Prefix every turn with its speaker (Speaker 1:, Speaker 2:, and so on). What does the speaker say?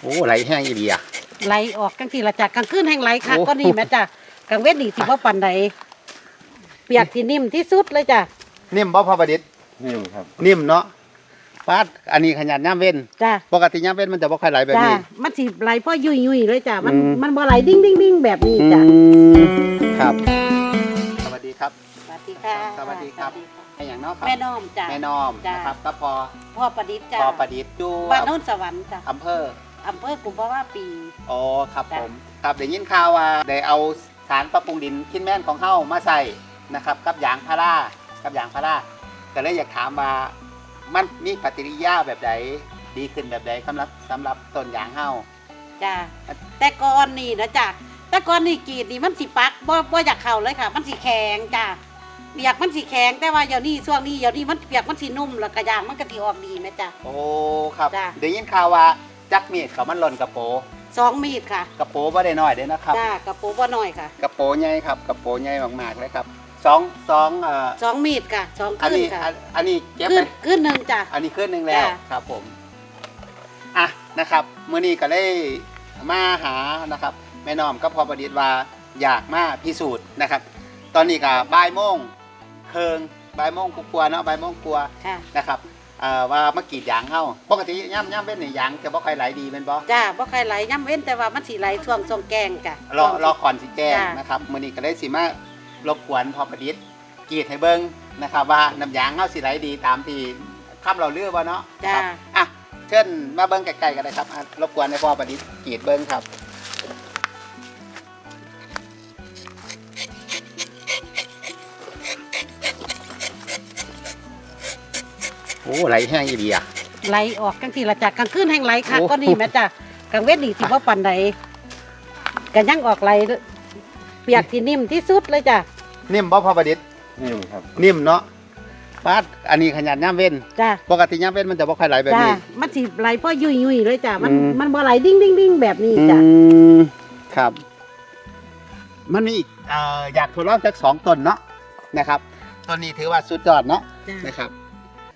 Speaker 1: โอ้ไหลแห้งอีเดีย
Speaker 2: ไหลออกกลางทีละจากกลางคืนแห่งไหลคักก็นี่แม่จ้ะกลางเวทนี่สิว่าปันใดเปียกที่นิ่มที่สุดเลยจ้ะ
Speaker 1: นิ่มบ่พอประดิษฐ์
Speaker 3: นิ่มครับ
Speaker 1: นิ่มเนาะปาดอันนี้ขนาดย่ำเว้น
Speaker 2: จ้ะ
Speaker 1: ปกติย่ำเว้นมันจะบ่ค่อยไหลแบบ
Speaker 2: จ้ะ
Speaker 1: นี้
Speaker 2: มันสิไหลพ่อยุ่ยเลยจ้ะมัน
Speaker 1: อืม
Speaker 2: มันบ่ไหลดิ้งดิ้งดิ้งแบบนี้จ้ะ
Speaker 1: ครับสวัสดีครับ
Speaker 2: สวัสดีค่ะ
Speaker 1: สวัสดีครับ ไอ้อย่างเนาะครับ
Speaker 2: แม่น้อมจ้ะ
Speaker 1: แม่น้อม
Speaker 2: จ้ะ
Speaker 1: นะครับก็พอ
Speaker 2: พ่อประดิษฐ์จ้ะ
Speaker 1: พอประดิษฐ์อยู่
Speaker 2: บ้านโน้นสวรรค์จ้ะ
Speaker 1: อำเภอ
Speaker 2: อำเภอกุมภาวะปี
Speaker 1: อ๋อครับ
Speaker 2: จ้ะ
Speaker 1: ผมครับได้ยินข่าวว่าได้เอาสารปรับปรุงดินคิดแม่นของเฮามาใส่นะครับกับยางพาราก็เลยอยากถามว่ามันมีปฏิกิริยาแบบใดดีขึ้นแบบใดสำหรับต้นยางเฮา
Speaker 2: จ้ะแต่ก่อนนี่นะจ้ะแต่ก่อนนี่กรีดนี่มันสิปักบ่อยากเข้าเลยค่ะ มันสิแข็งจ้ะเปียกมันสิแข็งแต่ว่าเดี๋ยวนี้ช่วงนี้เดี๋ยวนี้มันเปียกมันสินุ่มแล้วก็ยางมันก็สิออกดีแม่จ้ะ
Speaker 1: โอ้ครับ
Speaker 2: จ้ะ
Speaker 1: ได้ยินข่าวว่าจักมีดเขามันหล่นกระโป
Speaker 2: 2 มีดค่ะ
Speaker 1: กระโปบ่ได้น้อยเด้อนะครับ
Speaker 2: จ้ากระโปรงบ่น้อยค่ะ
Speaker 1: กระโปใหญ่ครับกระโปใหญ่มากๆเลยครับสอง
Speaker 2: 2 มีดค่ะ2
Speaker 1: อัน
Speaker 2: ขึ้น
Speaker 1: นี้
Speaker 2: ค่ะ
Speaker 1: อันนี้เก็บ
Speaker 2: ขึ้
Speaker 1: ไป
Speaker 2: นขึ้นหนึ่งจ้ะ
Speaker 1: อันนี้ขึ้นหนึ่งแล้ว
Speaker 2: จ้ะ
Speaker 1: ครับผมอ่ะนะครับมื้อนี้ก็เลยมาหานะครับแม่น้อมก็พอประดิษฐ์ว่าอยากมาพิสูจน์นะครับ ตอนนี้ก็บ่ายโมงเคิงบ่ายโมงกลัวาๆเนาะบ่ายโมงกลัวา
Speaker 2: ค่ะ
Speaker 1: นะครับว่ามากรีดยางเฮาปกติย่ำเว้นนี่ยางจะบ่ค่อยไหลดีแม่นบ่
Speaker 2: จ้าบ่ใครไหลย่ำเว้นแต่ว่ามันสิไหลช่วงทรงแกงจ้ะ
Speaker 1: รอก่อนสิแจ้ง
Speaker 2: จ้ะ
Speaker 1: นะครับมื้อนี้ก็เลยสิมารบกวนพอประดิษฐ์กรีดให้เบิ่งนะครับว่าน้ำยางเฮาสิไหลดีตามที่คำเราเลือกบ่เนาะ
Speaker 2: จ้า
Speaker 1: ครับอ่ะเชิญมาเบิ้งไกลๆกันเลยครับอ่ะรบกวนในพ่อประดิษฐ์กรีดเบิ้งครับโอ้ไหลแห้งอีเดีย
Speaker 2: ไหลออกกลางทีละจากกลางคืนแห่งไหลคัก
Speaker 1: โอ้
Speaker 2: ก็นี่แม่จ้ะกลางเวทนี่สิว่าปันใดก็ยังออกไหลเปียกที่นิ่มที่สุดเลยจ้ะ
Speaker 1: นิ่มบ่พ่อประดิษฐ์
Speaker 3: นิ่มครับ
Speaker 1: นิ่มเนาะปาดอันนี้ขนาดย่ำเว้น
Speaker 2: จ้ะ
Speaker 1: ปกติย่ำเว้นมันจะบ่ค่อยไหลแบบ
Speaker 2: จ้ะ
Speaker 1: นี้
Speaker 2: มันสิไหลพ่อยุ่ยเลยจ้ะมัน
Speaker 1: อืม
Speaker 2: มันบ่ไหลดิ้งดิ้งดิ้งแบบนี้จ้ะ
Speaker 1: ครับ มันมีอีกอยากทดลองสัก2ต้นเนาะนะครับต้นนี้ถือว่าสุดยอดเนาะ
Speaker 2: จ้ะ
Speaker 1: นะครับ